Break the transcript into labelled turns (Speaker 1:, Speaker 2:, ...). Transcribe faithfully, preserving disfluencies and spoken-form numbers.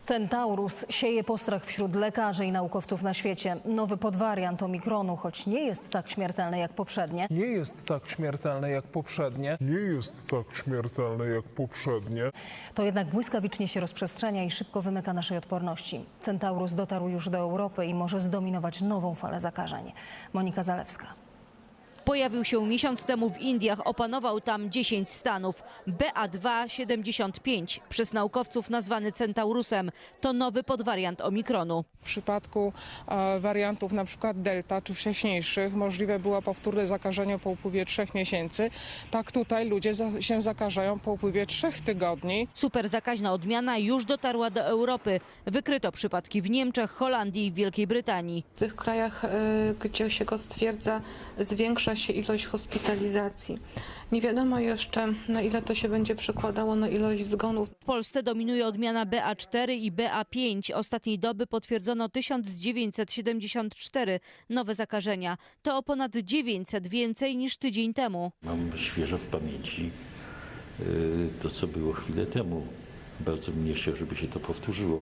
Speaker 1: Centaurus sieje postrach wśród lekarzy i naukowców na świecie. Nowy podwariant omikronu, choć nie jest tak śmiertelny jak poprzednie,
Speaker 2: Nie jest tak śmiertelne jak poprzednie.
Speaker 3: Nie jest tak śmiertelne jak poprzednie.
Speaker 1: to jednak błyskawicznie się rozprzestrzenia i szybko wymyka naszej odporności. Centaurus dotarł już do Europy i może zdominować nową falę zakażeń. Monika Zalewska.
Speaker 4: Pojawił się miesiąc temu w Indiach, opanował tam dziesięć stanów. B A dwa siedemdziesiąt pięć, przez naukowców nazwany Centaurusem, to nowy podwariant omikronu.
Speaker 5: W przypadku e, wariantów na przykład delta czy wcześniejszych możliwe było powtórne zakażenie po upływie trzech miesięcy. Tak tutaj ludzie za, się zakażają po upływie trzech tygodni.
Speaker 4: Super zakaźna odmiana już dotarła do Europy. Wykryto przypadki w Niemczech, Holandii i Wielkiej Brytanii.
Speaker 6: W tych krajach, gdzie się go stwierdza, zwiększa się ilość hospitalizacji. Nie wiadomo jeszcze, na ile to się będzie przekładało na ilość zgonów.
Speaker 4: W Polsce dominuje odmiana B A cztery i B A pięć. Ostatniej doby potwierdzono tysiąc dziewięćset siedemdziesiąt cztery nowe zakażenia. To o ponad dziewięćset więcej niż tydzień temu.
Speaker 7: Mam świeżo w pamięci y, to, co było chwilę temu. Bardzo bym nie chciał, żeby się to powtórzyło.